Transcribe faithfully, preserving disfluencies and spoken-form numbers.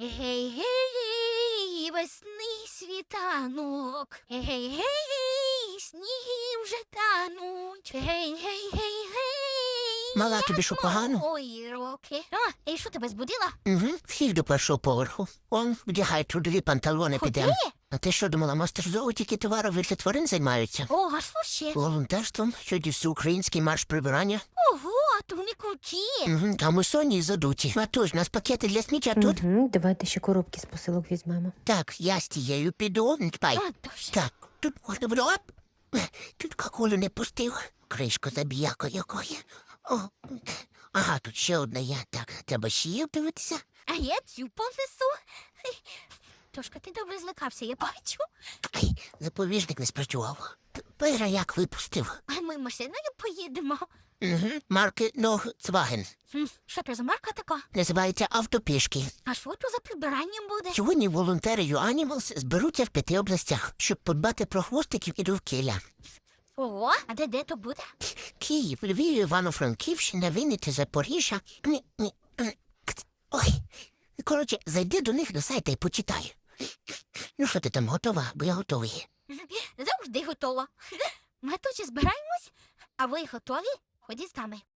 Гей, гей, весни світанок. Гей, гей, гей, сніги вже тануть. Гей, гей, гей, гей. Мала, тобі що, погано? Ой, роки. А, і що тебе збудила? Угу, всіх до першого поверху. Он, вдягай трудові панталони, Куди? підемо. А ти що думала, мастерзово тільки товарові для тварин займаються? О, а що ще? Волонтерством, сьогодні всеукраїнський марш прибирання. Ого, то вони круті. Угу, а ми соні і задуті. А то ж, нас пакети для сміття тут. Угу, давайте ще коробки з посилок візьмемо. Так, я з тією піду. Чпай. А, дуже. Так, тут можна було. Оп. Тут какулю не пустив. Кришку забіяко якої. О. Ага, тут ще одна є. Так, треба ще її дивитися. А я цю понесу. Тошка, ти добре злякався, я бачу. Ай, запобіжник не спрацював. Пера як випустив. А ми машиною поїдемо. Угу. Марки Ногцваген. Хм, що то за марка така? Називається автопішки. А що то за прибирання буде? Сьогодні волонтери Юанімалс зберуться в п'яти областях, щоб подбати про хвостиків і довкілля. Ого, а де де то буде? Київ, Львів, Івано-Франківщина, Вінниця, Запоріжжя. Ні, ні, ні, кц. Ой. Коротше, зайди до них на сайт і почитай. Ну що ти там, готова? Бо я готовий. Завжди готова. Ми тут ще збираємось, а ви готові? Ходіть з нами.